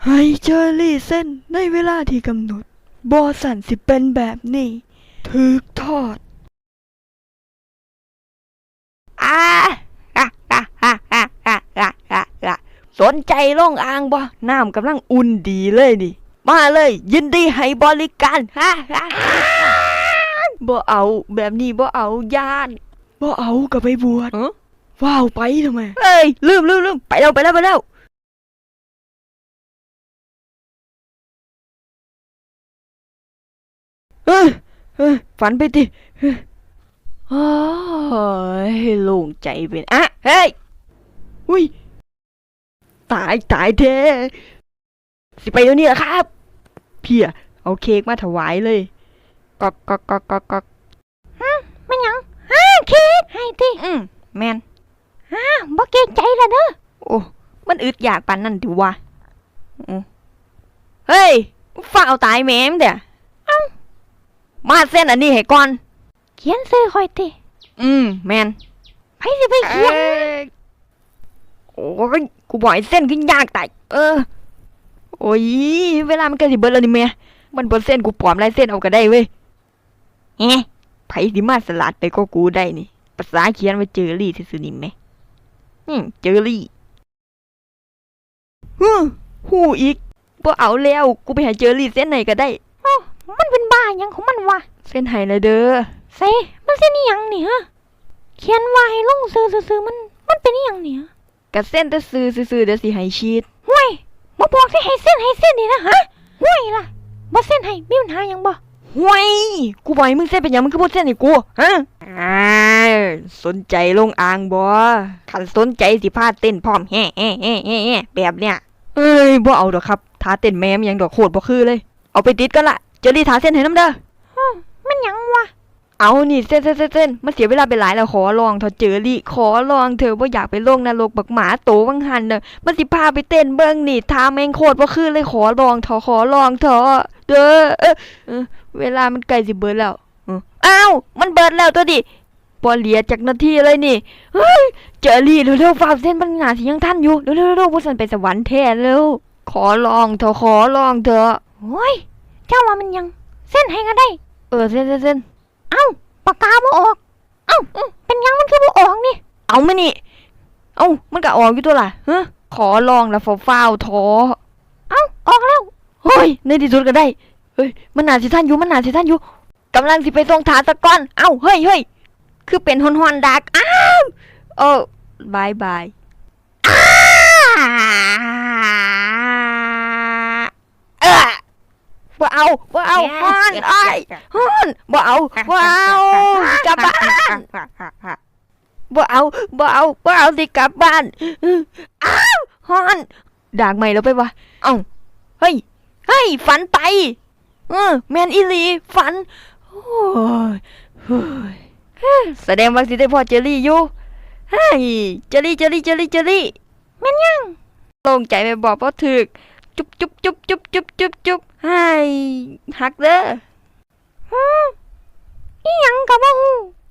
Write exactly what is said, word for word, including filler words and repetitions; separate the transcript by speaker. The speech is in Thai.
Speaker 1: ให้เจอรี่เส้นในเวลาที่กำหนดบอสันสิเป็นแบบนี้ถึกทอด
Speaker 2: อ่าอ่ะอ่ะอ่ะอ่ะอ่ะอ่ะอ่ะอ่ะสนใจลงอ่างบ่น้ำกำลังอุ่นดีเลยนี่มาเลยยินดีให้บริการฮ่าฮ่าบ่เอาแบบนี้บ่เอาย่าน
Speaker 1: บ่เอาก็ไปบวช
Speaker 2: เอ้อ
Speaker 1: ว้าวไปทำไม
Speaker 2: เอ้ยลืมลืมลืมไปแล้วไปแล้วไปแล้วเออเออฝันไปดิโอ้ยโล่งใจเป็นอ่ะเฮ้ย
Speaker 1: อุ้ยตายตายแท้
Speaker 2: สิไปเดี๋ยวนี้เหรอครับ
Speaker 1: เพี่ยเอาเค้กมาถวายเลยกอกกอกกอกกอกกอก
Speaker 2: มันยังฮ่าเค้กให้ติอืมแมนฮ่าบ่เกรงใจละเด้อโอ้มันอึดอยากปานนั่นดิวะอืมเฮ้ยฝ้าเอาตายแม่มเด้อเอ้ามาเส้นอันนี้ให้ก่อนเขียนซื้อค่อยติอืมแมนไปสิไปเขียนโอ้ยกูบอกให้เส้นขึ้นยากตายเออโอ้ยเวลามันใกล้สิเบิดแล้วนี่แม่มันบ่เส้นกูปลอมลายเส้นเอาก็ได้เว้ยเฮ้ไผสิมาสลัดไปก็กูได้นี่ภาษาเขียนไว้เจอรี่ซื่อๆนี่แม่อืมเจอรี่ฮึฮู้อีกบ่เอาแล้วกูไปหาเจอรี่เส้นไหนก็ได้อ้อมันเป็นบ้าหยังของมันวะเส้นไหนละเด้อเซมันเส้นอีหยังนี่ฮะเขียนว่าให้ลงซื่อๆๆมันมันเป็นอีหยังนี่ฮะก็เส้นแต่ซื่อซื่อๆเดี๋ยวสิให้ชีดห้วยบ่บอกสิให้เส้นให้เส้นนี่นะฮะห้วยล่ะบ่เส้นให้มีปัญหาหยังบ่ห้วยกูบอกให้มึงเส้นเป็นหยังมึงก็บ่เส้นให้กูฮะอ่าสนใจลงอ่างบ่คันสนใจสิพาเต้นพร้อมแฮ่ๆๆๆแบบเนี้ยเอ้ยบ่เอาดอกครับท่าเต้นแม่มยังดอกโคตรบ่คือเลยเอาไปติดกันละเจอรี่ท่าเส้นให้นำเด้อมันหยังวะเอานี่เส้นเส้นเส้นเส้นมันเสียเวลาไปหลายแล้วขอลองเถอะเจอรี่ขอลองเธอบ่อยากไปลงนรกบักหมาโตวังหันเด้อมันสิพาไปเต้นเบิ่งนี่ท่าแม่งโคตรบ่คือเลยขอลองเถอะขอลองเถอะเด้อเออเออเวลามันใกล้สิเบิดแล้วเอออ้าวมันเบิดแล้วตัวดิบ่เหลือจักนาทีเลยนี่เฮ้ยเจอรี่เร็วๆฟ้าเส้นมันหน้าสิยังทันอยู่เร็วๆๆบ่ซั่นไปสวรรค์แท้แล้วขอลองเถอะขอลองเถอะโอ้ยเจ้าว่ามันยังเส้นให้ก็ได้เออเส้นเส้นเอ้าปากกาบ่ออกเอ้าเป็นยังมันคือบ่ออกนี่เอามานี่เอ้ามันก็ออกอยู่ตัวล่ะฮะขอลองแล้วฟ้าวๆท้อเอ้าออกแล้วเฮ้ยในที่สุดก็ได้เฮ้ยมันน่าสิทันอยู่มันน่าสิทันอยู่กำลังสิไปส่งถาตะก้อนเอ้าเฮ้ยเฮ้ยคือเป็นฮอนๆดักอ้าวโอ้บายบายอ้าเออบ่เอาบ่เอาฮอนไอ้ฮอนบ่เอาบ่เอากลับบ้านบ่เอาบ่เอาบ่เอาสิกลับบ้านอ้าวฮอนดากใหม่แล้วไปวะเอ้าเฮ้ยเฮ้ยฝันไปเออแมนอีหลีฝันโอ้ยเฮ้ยแสดงว่าสิได้พ่อเจอรี่อยู่เฮ้ยเจอรี่เจอรี่เจอรี่เจอรี่แม่นยังโล่งใจไปบอกบ่ถึกจุ๊บจุ๊บจุ๊บจุ๊บจุ๊บจุ๊บจุ๊บให้ฮักเด้อฮึอีหยังก็บ่ฮู้